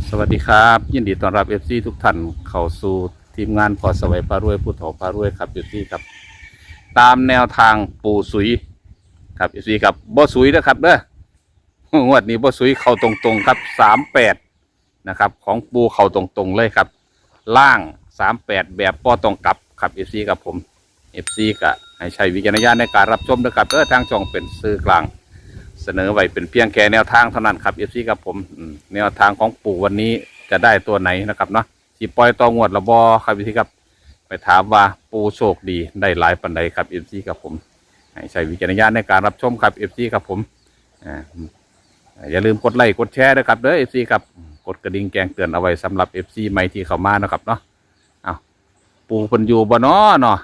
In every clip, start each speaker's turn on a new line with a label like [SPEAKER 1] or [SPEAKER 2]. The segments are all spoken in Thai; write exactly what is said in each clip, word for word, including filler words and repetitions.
[SPEAKER 1] สวัสดีครับยินดีต้อนรับเอฟซีทุกท่านเข้าสู่ทีมงานพอสวัยพารวยผู้ถอพารวยครับเอฟซีครับตามแนวทางปูสุยครับเอฟซีครับบ่สุยนะครับเด้องวดนี้บ่สุยเข้าตรงๆครับสามแปดนะครับของปูเข้าตรงๆเลยครับล่างสามแปดแบบป้อตรงกลับครับเอฟซีกับผมเอฟซีก็ให้ใช้วิจารณญาณในการรับชมนะครับเออทางช่องเป็นสื่อกลางเสนอไว้เป็นเพียงแค่แนวทางเท่านั้นครับเอฟซีกับผมแนวทางของปู่วันนี้จะได้ตัวไหนนะครับเนาะสีปล่อยต่องวดละบอครับเอฟซีครับไปถามว่าปู่โชคดีได้หลายปันใดครับเอฟซีกับผมให้ใช้วิจารณญาณในการรับชมครับเอฟซีกับผมอ่าอย่าลืมกดไลค์กดแชร์นะครับเด้อเอฟซีครับกดกระดิ่งแจ้งเตือนเอาไว้สำหรับเอฟซีใหม่ที่เข้ามานะครับเนาะเอาปู่เพิ่นอยู่บ่เนาะเนาะ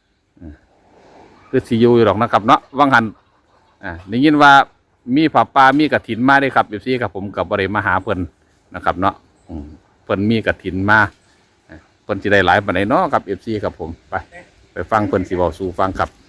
[SPEAKER 1] คือสิอยู่หรอกนะครับเนาะวังหันอ่าได้ยินว่ามีผ้าป่ามีกฐินมาได้ครับเอฟซีครับผมกับบริมาหาเพิ่นนะครับเนาะเพิ่นมีกฐินมาเพิ่นสิได้หลายปานใดเนาะครับเอฟซีครับผมไปไปฟังเพิ่นสิเว้าสู่ฟังครับ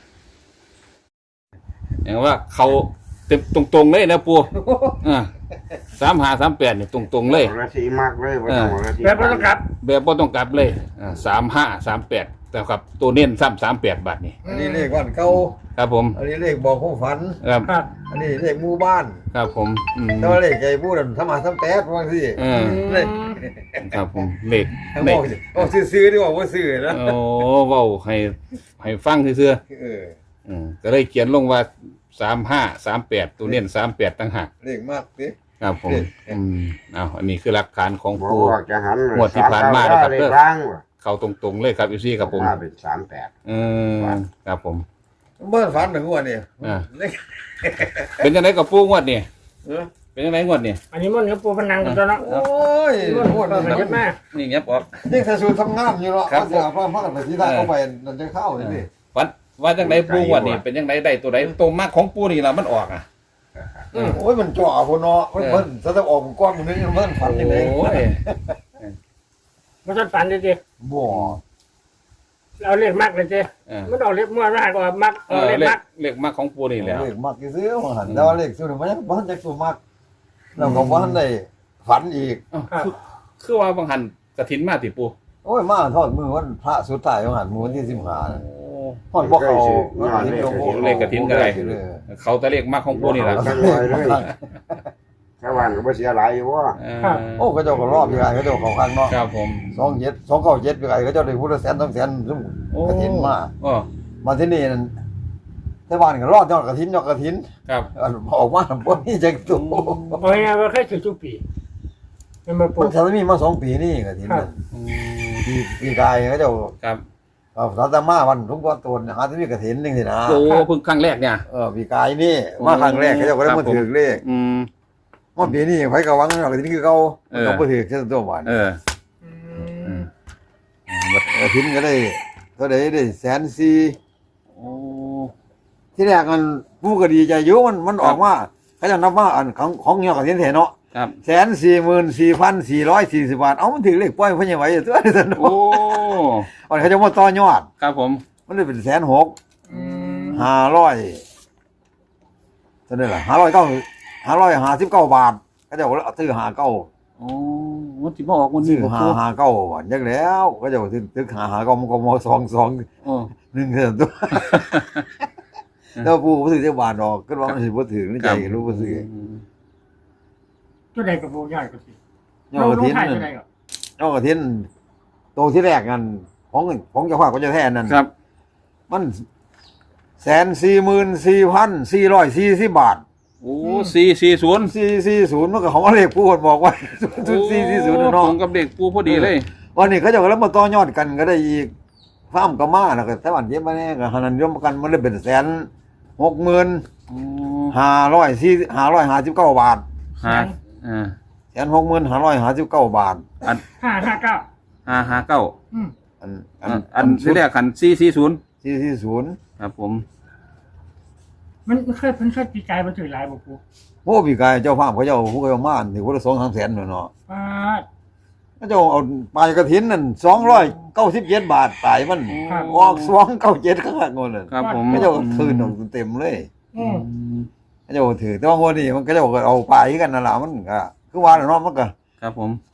[SPEAKER 1] อย่างว่าเขาเต็มตรงๆเลยนะปู่อ่าสามห้าสามแปดนี่ตรงๆเลย
[SPEAKER 2] ราศีมากเลยว่าต้องราศี
[SPEAKER 3] แบบบ่ต้องกลับ
[SPEAKER 1] แบบบ่ต้องกลับเลยอ่าสามห้าสามแปดแต่ครับตัวเน้นซ้ำสามแปดบาทนี่
[SPEAKER 4] อันนี้เลขวันเก่า
[SPEAKER 1] ครับผม
[SPEAKER 4] อันนี้เลขบอกผู้ฝัน
[SPEAKER 1] ครับ
[SPEAKER 3] ครับ
[SPEAKER 4] อันนี้เลขหมู่บ้าน
[SPEAKER 1] ครับผมอืม
[SPEAKER 4] แต่ว่าเลขไอ้ผู้นั้นทำมาทำแต๊ดว่าสิ
[SPEAKER 1] เออ
[SPEAKER 4] เลข
[SPEAKER 1] ครับผมเลข
[SPEAKER 4] ทั้ง
[SPEAKER 1] เล
[SPEAKER 4] บอ
[SPEAKER 1] ข
[SPEAKER 4] กบอกซื้อๆดีกว่าว่าซื้อนะ
[SPEAKER 1] โอ้เว้าให้ให้ฟังซื่อ
[SPEAKER 4] เออ
[SPEAKER 1] ๆอืมก็เลยเขียนลงว่าสามห้าสามแปดตัวเน้นสามแปดตั้งหาก
[SPEAKER 4] เลขมากสิ
[SPEAKER 1] ครับผมอืมเอาอันนี้คือหลักฐานของ
[SPEAKER 2] บอก
[SPEAKER 1] ปู
[SPEAKER 2] ว่าจะหัน
[SPEAKER 1] งวดที่ผ่านมานะครับ
[SPEAKER 2] เลขร่างว่ะ
[SPEAKER 1] เข้าตรงๆเลยครับอยู่ซี่ครับผม
[SPEAKER 2] มาเป็นสามแปด
[SPEAKER 1] เออครับผม
[SPEAKER 4] เมื่อฝันถึงวันนี้
[SPEAKER 1] อ่า
[SPEAKER 4] เลข
[SPEAKER 1] เป็นยังไงกับปูงวดนี่
[SPEAKER 4] เออ
[SPEAKER 1] เป็นยังไงงวดนี่
[SPEAKER 3] อันนี้มันกับปูพนังกันตัวเนาะ
[SPEAKER 4] โอ้ย
[SPEAKER 3] มัน
[SPEAKER 4] โค
[SPEAKER 3] ปว
[SPEAKER 4] ต
[SPEAKER 3] ด
[SPEAKER 4] ร
[SPEAKER 3] มันเยอะมาก
[SPEAKER 1] นี่เงียบออก
[SPEAKER 4] นี่ถ้าสูตรทำงานอยู่เนาะ
[SPEAKER 1] ครับ
[SPEAKER 4] เขาจะเอาพักกันไปที่ท่าเข้าไปนั่นจะเข้าเลยนี่
[SPEAKER 1] วัดว่าจังไดปูงวดนี่เป็นยังไงได้ตัวใดตรงมากของปูนี่ล่ะมันออกอ่ะ
[SPEAKER 4] โอ้ยมันจ่อพนเนาะมันเพิ่นจะต้องออกก้อนมันนี่เพิ่นฝันยังไง
[SPEAKER 1] โอ้ย
[SPEAKER 3] มันจะฝันเลยจี
[SPEAKER 4] บ่
[SPEAKER 3] เราเรียกมักเลยจี
[SPEAKER 1] เออ
[SPEAKER 3] มันเอาเรียกมั่วมากกว่ามัก
[SPEAKER 1] เอ
[SPEAKER 3] เอา
[SPEAKER 1] อ
[SPEAKER 3] เรียก
[SPEAKER 1] เล
[SPEAKER 3] มั
[SPEAKER 1] ข
[SPEAKER 3] ก
[SPEAKER 1] เลขมากของปูนี่แหล้ว
[SPEAKER 4] เลขมักซื้อมาหันแต่ว่าเลขสูตรมันยังบ่ทันจะสูตรมักแล้วก็บ่ทันได้ฝันอีก
[SPEAKER 1] คือคือว่าบางหันกระถินมาติปู
[SPEAKER 4] โอ้ยมาทอดมือวันพระสุดท้ายของหันมือวันที่สิบห้า
[SPEAKER 1] โอ้
[SPEAKER 4] ทอดบ่เขา
[SPEAKER 1] เลขกฐินก็ได้ เขาแต่เลขมากของปูนี่ล่ะ
[SPEAKER 2] จังเลยเลยชาวบ้านก็บ่เสียหลายอยู่ว่า
[SPEAKER 1] เออ
[SPEAKER 4] โอ้ก็เจ้าก็รอบยังไงก็เจ้าเขาข้างเนาะ
[SPEAKER 1] ครับผม
[SPEAKER 4] สองเจ็ดสองเก้าเจ็ดยังไงก็เจ้าได้พุทธแสนต้องแสนซึ่ง
[SPEAKER 1] โอ้
[SPEAKER 4] กระถินมา
[SPEAKER 1] โอ้
[SPEAKER 4] มาที่นี่นั่นแต่บ้านก็รอดยอดกระถินยอดกระถิน
[SPEAKER 1] ครับ
[SPEAKER 4] ออกมาพวกนี้จะตัว
[SPEAKER 3] เอาไงว่าแค่สิบปีมันมาปู
[SPEAKER 4] มันจะมีมาสองปีนี่กระถินปีปีกายก็เจ้า
[SPEAKER 1] ครับ
[SPEAKER 4] เอาสาตมาวันทุกวันตัวหาที่มีกระถินนึงสินะ
[SPEAKER 1] โอ้เพิ่งครั้งแรกเนี่ย
[SPEAKER 4] เออปีกายนี่มาครั้งแรกเขาเจ้าก็ได้มาถือเลข
[SPEAKER 1] อืม
[SPEAKER 4] ว่าปีนี้ไผก็หวังกระถินคือเขา
[SPEAKER 1] เออ
[SPEAKER 4] เขาบ่ถือแค่ตัวหวาน
[SPEAKER 1] เออ
[SPEAKER 3] อื
[SPEAKER 1] อื
[SPEAKER 3] ม
[SPEAKER 1] ม
[SPEAKER 4] กระถินก็ได้ก็ได้ได้แสนสี่
[SPEAKER 1] โอ้
[SPEAKER 4] ที่แรกมันผู้ก็ดีใจอยู่มันมันออกมาเขาจะนับว่าอันของของเงี้ยกระถินเห็นเนาะ
[SPEAKER 1] ครับ
[SPEAKER 4] แสนสี่หมื่นสี่พันสี่ร้อยสี่สิบบาท เอามันถึงเลขป้อยเพิ่นยังไหวอยู่ตัวนี้สนุ
[SPEAKER 1] โอ้
[SPEAKER 4] กอันเขาจะมาต่อยอด
[SPEAKER 1] ครับผม
[SPEAKER 4] มันได้เป็นแสนหก
[SPEAKER 3] อืม
[SPEAKER 4] ห้าร้อยเท่านั้นแหละห้าร้อยเก้าห้าร้อยห้าสิบเก้าบาทเขาจะเอาซื้อห้าเก้า
[SPEAKER 1] โอ้มันสิมาออกมัน
[SPEAKER 4] ซื้
[SPEAKER 1] นี่
[SPEAKER 4] อ
[SPEAKER 1] บ่
[SPEAKER 4] ห้า
[SPEAKER 1] ปู
[SPEAKER 4] ห้าเก้าบาทยังแล้วก็จะซื้อซื้อห้าห้าเก้ามันก็มอสองสอง
[SPEAKER 1] โอ้
[SPEAKER 4] หนึ่งเท่านั้นตัวแล้วผู้บ่ซื้อเจ้าบาทดอกก็ว่ามันสิบ่ถึงในใจรู้บ่ซื้อ
[SPEAKER 3] ตัวใดกับปูใหญ่กว่าสิ
[SPEAKER 4] ยอดกระถิน
[SPEAKER 3] ถ่าย
[SPEAKER 4] นั่
[SPEAKER 3] ตัวน ใดกับ
[SPEAKER 4] ยอดกระถินโตที่แรกนั่นของของเจ้าภาพก็จะแท้นั่น
[SPEAKER 1] ครับ
[SPEAKER 4] มันแสนสี่หมื่นสี่พันสี่ร้อยสี่สิบบาท
[SPEAKER 1] โอ้สี่สี่ศูนย์
[SPEAKER 4] สี่สี่ศูนย์มันก็ของเลขผู้คนบอกว่าศูนย์สี่สี่ศูนย์
[SPEAKER 1] ตร
[SPEAKER 4] เนาะ
[SPEAKER 1] งกับเด็กปูพอดีเลย
[SPEAKER 4] วันนี้เขาจะแล้วมาต่อยอดกันก็ได้อีกฟ้ามก็มาแล้วก็แต่วันเย็บมาเนี่ยก็หันยมกันมันได้เป็นแสนหกหมื่น
[SPEAKER 1] โอ้
[SPEAKER 4] ห้าร้อยสี่ห้าร้อยห้าสิบเก้าบาท
[SPEAKER 1] ฮะอ่า
[SPEAKER 4] แสนหกหมื่นห้าร้อยห้าสิบเก้าบาท
[SPEAKER 1] อัน
[SPEAKER 3] ห้าห้าเก้า
[SPEAKER 1] ห้าห้าเก้า
[SPEAKER 3] อืม
[SPEAKER 4] อัน
[SPEAKER 1] อันอันที่แรกคันสี่สี่ศูนย์
[SPEAKER 4] สี่สี่ศูนย์
[SPEAKER 1] ครับผม
[SPEAKER 3] มันมันเคยมันเคยปีกายมาถือหลายบ่ปู
[SPEAKER 4] โอ้พี่กายเจ้าภาพเขาเจ้าผู้เขามาถือว่าสองสามแสนเนาะ
[SPEAKER 3] ป้าด
[SPEAKER 4] เขาเจ้าเอาปลายกระถินนั่นสองร้อยเก้าสิบเจ็ดบาทตายมัน
[SPEAKER 3] ครับ
[SPEAKER 4] ออกสองเก้าเจ็ดข้างหลังนั่น
[SPEAKER 1] ครับผม
[SPEAKER 4] เขาเจ้าคืนเต็มเลย
[SPEAKER 3] อืม
[SPEAKER 4] เขาเจ้าถือแต่ว่าวันนี้มันก็เจ้าก็เอาปลายกันนั่นแหละมันก็คือว่าเนาะมันก็
[SPEAKER 1] ครับผม
[SPEAKER 4] ม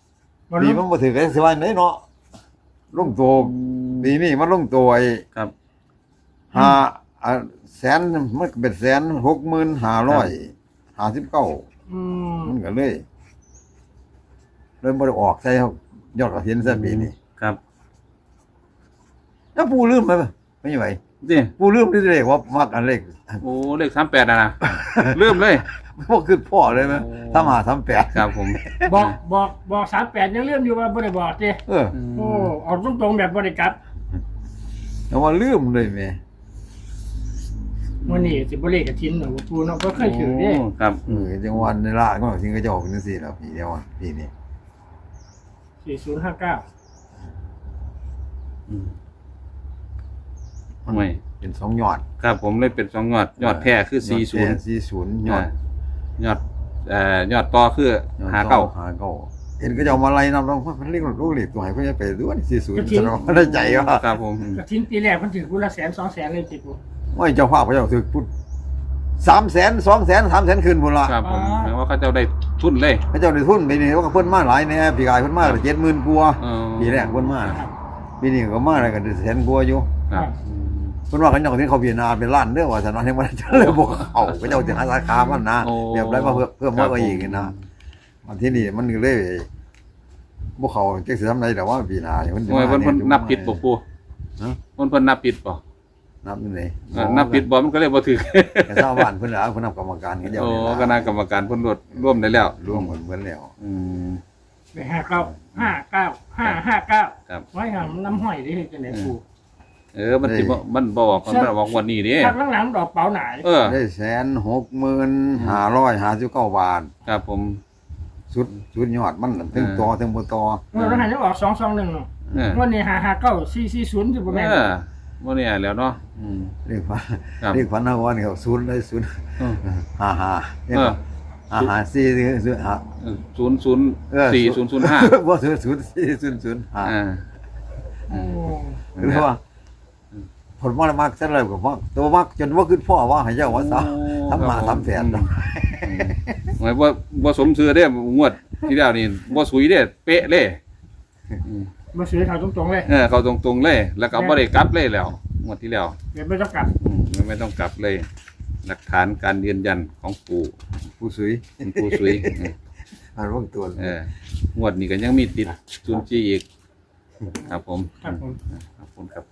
[SPEAKER 3] บ่
[SPEAKER 4] ปี
[SPEAKER 3] รู้
[SPEAKER 4] มันบ่ถือกันสิว่าไหนเนาะลงตัวปีนี้มันลงตัวไอ้
[SPEAKER 1] ครับ
[SPEAKER 4] ห้าอ่ะแสนมันก็เป็นแสนหกหมื่นห้าร้อยห้าสิบเก้า
[SPEAKER 3] อืม
[SPEAKER 4] มันก็เลยเลยบ่ได้ออกใส่เขายอดกระถินซะปีนี้
[SPEAKER 1] ครับ
[SPEAKER 4] แล้วปูลืมไหมไม่ไหว
[SPEAKER 1] นี่
[SPEAKER 4] ปูลืมนี่เลขว่ามักอันเลข
[SPEAKER 1] โอ้เลขสามแปดนะนะลืมเลย
[SPEAKER 4] บ่คือพ่อเลยไหม
[SPEAKER 1] โอ้
[SPEAKER 4] ทำหาทำแปด
[SPEAKER 1] ครับผม
[SPEAKER 3] บอกบอกบอกสามแปดยังเลื่อมอยู่ว่าบ่ได้บอกสิ
[SPEAKER 4] เออ
[SPEAKER 3] โอ้ออกตรงๆแบบบ่ได้กลับ
[SPEAKER 4] แต่ว่าลืมเลยแม่
[SPEAKER 3] มื้อนี้สิบ่เลขกระทินเนาะว่าปูเนาะบ่เคยถือเด้
[SPEAKER 1] โครับ
[SPEAKER 4] เออจังหวันในล่าก็ถึงก็จะออกเป็นจังซี่แล้วปีเดียวอะปีนี้
[SPEAKER 3] สี่ศูนย์ห้าเก้า
[SPEAKER 1] อืมไม่
[SPEAKER 4] เป็นสองยอด
[SPEAKER 1] ครับผมเลยเป็นสองยอดยอดแท้คือสี่ศูนย์
[SPEAKER 4] สี่ศูนย์ยอด
[SPEAKER 1] ยอดเอ่อยอดต่อคือหาเก้า
[SPEAKER 4] หาเก้าเห็นก็จะเอามาไล่นำลงมันเรียกลูกเหล็กตัวไหนเพื่อจะไปดูว่าสี่ศูนย์จะเราได้ใจว่า
[SPEAKER 1] ครับผม
[SPEAKER 3] กระทินปีแรกมันถือกูละแสนสองแสนเลยจิปู
[SPEAKER 4] ไม่เจ้าภาพพระเจ้าถือพุทธสามแสนสองแสนสามแสนคืนพุ่นละ
[SPEAKER 1] ครับผมแปลว่าเขาเจ้าได้ทุนเลย
[SPEAKER 4] พระเจ้าได้ทุนปีนี้ว่าเพิ่นมาหลายเนี่ยปีกายเพิ่นมาเจ็ดหมื่นกว่า
[SPEAKER 1] เออ
[SPEAKER 4] ปีแรกเพิ่นมาปีนี้ก็มาอะไรกันแสนกว่าอยู่
[SPEAKER 1] ครับ
[SPEAKER 4] เพิ่นว่าเขาเจ้าที่เขาพิจารณาเป็นล้านเด้อว่าฉันว่าให้มันจะเลยบอกเขาพระเจ้าจะหาสาขามันนะเรียบร้อยมาเพิ่มเพิ่มมาอีกนะวันที่นี่มันก็เลยพวกเขาเจ๊สิทำไรแต่ว่าปีหน้าเพิ่น
[SPEAKER 1] โอ้ยเพิ่นเพิ่นนับผิดบ่ปูเพิ่นเพิ่นนับผิดบ่
[SPEAKER 4] นับนี่ไหน
[SPEAKER 1] เออนับผิดบ่มันก็เลยบ่ถูก
[SPEAKER 4] แต่ชาวบ้านเพิ่นล่ะเพิ่นนับกรรมการกันเดียว
[SPEAKER 1] โอ้
[SPEAKER 4] นี่
[SPEAKER 1] คณะกรรมการเพิ่นรวดร่วมได้แล้ว
[SPEAKER 4] รวมกันเพิ่นแล้ว
[SPEAKER 1] อืม
[SPEAKER 3] ไปห้าเก้าห้าเก้าห้าห้าเก้า
[SPEAKER 1] ครับ
[SPEAKER 3] ไว้หามน้ำห้อยได้จังได๋ปู
[SPEAKER 1] เออมันสิบ่มันบ่บอกมันบอกวันนี้เด้
[SPEAKER 3] พักหลังๆดอกเป๋าหนาย
[SPEAKER 1] เออ
[SPEAKER 4] ได้แสนหกหมื่นห้าร้อยห้าสิบเก้าบาท
[SPEAKER 1] ครับผม
[SPEAKER 4] สุดสุดยอดมันถึงต่อถึงบ่ต่อ
[SPEAKER 3] เมื่อเราหันจะออกสองสองหนึ่งเนาะ
[SPEAKER 1] เออ
[SPEAKER 3] วันนี้ห้าห้าเก้าสี่สี่ศูนย์ที่บ่แม่น
[SPEAKER 1] เออบ่เนี่ยแล้วเนาะอืม
[SPEAKER 4] เรียกว่า
[SPEAKER 1] ครับ
[SPEAKER 4] เรียกพันนะว่านี่เขาศูนย์ได้ศูนย์
[SPEAKER 1] เออ
[SPEAKER 4] ห้าห้าเรียก
[SPEAKER 1] เออ
[SPEAKER 4] ว่าห้าห้าสี่ศูนย์ห้า
[SPEAKER 1] ศูนย์ศูนย์
[SPEAKER 4] เออ
[SPEAKER 1] สี่ศูนย์ศูนย์ห้า
[SPEAKER 4] บ่ศูนย์ศูนย์สี่ศูนย์ศูนย์ห้า
[SPEAKER 1] อ่า
[SPEAKER 3] โอ้
[SPEAKER 4] หรือว่าผลมามักซั่นเลยก็มักตัวมักจนว่าขึ้นพ่อว่าให้เจ้าว่าซะทำมาทำแผน
[SPEAKER 1] หมายว่าบ่สมชื่อเด้งวดที่แล้วนี่บ่สุยเด้เป๊ะเลยอืม
[SPEAKER 3] มาซื้อเขาตรงๆเลย
[SPEAKER 1] เออเขาตรงๆเลย แล้วก็บ่ได้กลับเลยแล้วงวดที่แล้ว
[SPEAKER 3] เดี๋ยวไม่ต้องกลับ
[SPEAKER 1] อืมไม่ต้องกลับเลย หลักฐานการยืนยันของปู่
[SPEAKER 4] ผู้สุย
[SPEAKER 1] เป็นปู่สุยอืม
[SPEAKER 4] อันว่าตัว
[SPEAKER 1] เอองวดนี้ก็ยังมีติดศูนย์จีอีก ครับผม
[SPEAKER 3] ครับผม
[SPEAKER 1] ครับผมครับผม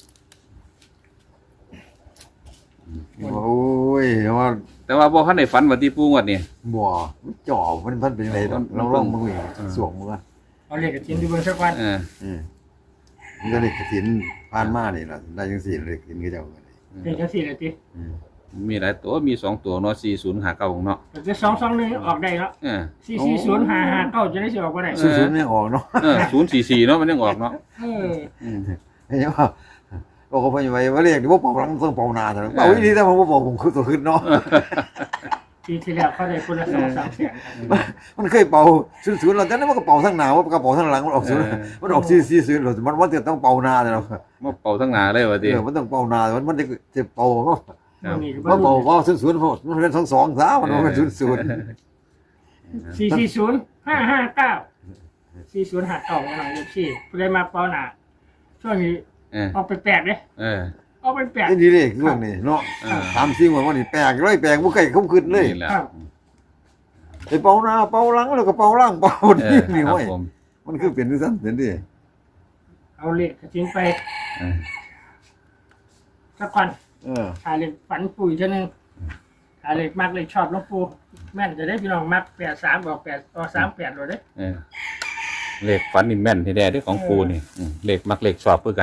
[SPEAKER 4] โอ้ยว่า
[SPEAKER 1] แต่ว่าบ่ทันได้ฝันว่าที่ปู่งวดนี้
[SPEAKER 4] บ่จ่อมันมันเป็นอะไรเราลองมือสวมมือ
[SPEAKER 3] เอาเลขกระทินดูเบิ่งสักวัน
[SPEAKER 1] เออ
[SPEAKER 4] อืมมันก็เลยกระถินผ่านมานี่ล่ะได้จังซี่เลยกระถินก็เจ้าก็ได้
[SPEAKER 3] เป็นจังซี่เลยติ
[SPEAKER 4] อืม
[SPEAKER 1] มีหลายตัวมีสองตัวเนาะสี่ศูนย์ห้าเก้าเนาะ
[SPEAKER 3] แต่จะสองสองหนึ่งออกได้แล้ว
[SPEAKER 1] เออ
[SPEAKER 3] สี่สี่ศูนย์ห้าห้าเก้าจะได้สิออกบ่ได้
[SPEAKER 4] ศูนย์ๆไม่ออกเนาะ
[SPEAKER 1] เออศูนย์สี่สี่เนาะมันยังออกเนาะ
[SPEAKER 3] เออ
[SPEAKER 1] อืม
[SPEAKER 4] เห็นว่าโอ้เขาไปไว้ว่าเรียกดิว่าเป่าหลังต้องเป่าหนาเถอะเป่าวิธีแต่ผมว่าเป่าผมคือตัวขึ้นเนาะ
[SPEAKER 3] ปีที่แล้วเขาได้คนละสองสามแสน
[SPEAKER 4] มันเคยเป่าศูนย์ๆเราแต่นั้นมันก็เป่าทั้งหนาว่ากระเป๋าทั้งหลังมันออกศูนย์มันออกซีซีศูนย์เรามันมันจะต้องเป่าหนาเนาะ
[SPEAKER 1] มาเป่าทั้งหนาเลยว่า
[SPEAKER 4] เอ
[SPEAKER 1] ติ
[SPEAKER 4] อมันต้องเป่าหนามันมันจะจะเป่าเนาะ
[SPEAKER 1] ครับ
[SPEAKER 3] นี่ก็
[SPEAKER 4] ว่า
[SPEAKER 3] บ่
[SPEAKER 4] เป่าว่าศูนย์ศูนย์มันเป็นสองสองสามมันเป็นศูนย์ศูนย์
[SPEAKER 3] สี่สี่ศูนย์ห้าห้าเก้าสี่ศูนย์ห้าเก้าหน่อยเลขสี่ผู้ใดมาเป้าหนาช่วงนี้
[SPEAKER 1] เออ
[SPEAKER 3] ออกไปแปลกเด้
[SPEAKER 1] เออ
[SPEAKER 3] ออกไปแปลก
[SPEAKER 4] นี่ดีเลยเรื่องนี้เนาะ
[SPEAKER 1] เออ
[SPEAKER 4] ตามซิ่งว่านี่แปลกเลยแปลกบ่เคยคุ้มขึ้นเลย
[SPEAKER 1] นี่แหละ
[SPEAKER 3] ครับ
[SPEAKER 4] ไอ้เป่าหนาเป่าหลังแล้วก็เป่าล่างเป่า
[SPEAKER 1] เอ
[SPEAKER 4] นี่
[SPEAKER 1] อ
[SPEAKER 4] นี่
[SPEAKER 1] ครับ
[SPEAKER 4] เว้ย
[SPEAKER 1] ผม
[SPEAKER 4] มันคือเป็นที่สั้นเป็นที่
[SPEAKER 3] เอาเลขกระทินไป
[SPEAKER 1] เออ
[SPEAKER 3] สักวัน
[SPEAKER 4] เออ
[SPEAKER 3] หาเลขฝันปุ๋ยเท่านึงหาเลขมากเลขชอบหลวงปู่แม่นจะได้พี่น้องมักแปดสามบอกแปดต่อสามแปดเลยเด้
[SPEAKER 1] เออเลขฝันนี่แม่นที่แท้เด้อของปู่นี่อืมเลขมักเลขชอบเพื่อกัน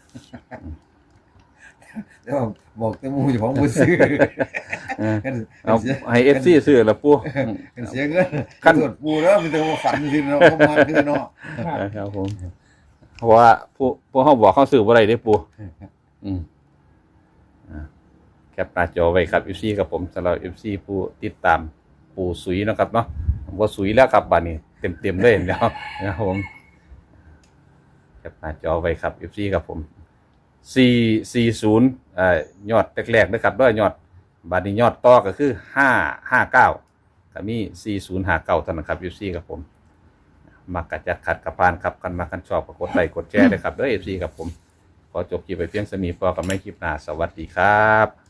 [SPEAKER 4] เดี๋ยวบอกแต่หมูอยู่ของมือซื้อ
[SPEAKER 1] เออ
[SPEAKER 4] กัน
[SPEAKER 1] เอาให้ เอฟ ซี ซื้อละปู่
[SPEAKER 4] กันเสียเงิน
[SPEAKER 1] ขั้น
[SPEAKER 4] ส่วนปูแล้วมีแต่ว่าฝันจริงๆเนาะเขามาคือเนาะ
[SPEAKER 3] ครับ
[SPEAKER 1] เออครับผมเพราะว่าผู้ผู้เฮาบอกเขาซื้อบ่ได้เด้อปู่อืมอ่าแคปหน้าจอไว้ครับ เอฟ ซี ครับผมสำหรับ เอฟ ซี ผู้ติดตามปู่สุยเนาะครับเนาะบ่สุยแล้วครับบัดนี้เต็มๆเลยแล้วนะครับผมแคปหน้าจอไว้ครับ เอฟ ซี ครับผมสี่สี่ศูนย์เอ่อยอดแรกๆนะครับด้วยยอดบัดนี้ยอดต่อก็คือห้าห้าเก้าก็มีสี่ศูนย์ห้าเก้าเท่านั้นครับ เอฟ ซี ครับผมมักกะจัดขัดกระพานครับกันมากันชอบก็กดไลค์กดแชร์ด้วยครับเด้อ เอฟ ซี ครับผมขอจบคลิปไปเพียงสมีพอกับไม่คลิปหน้าสวัสดีครับ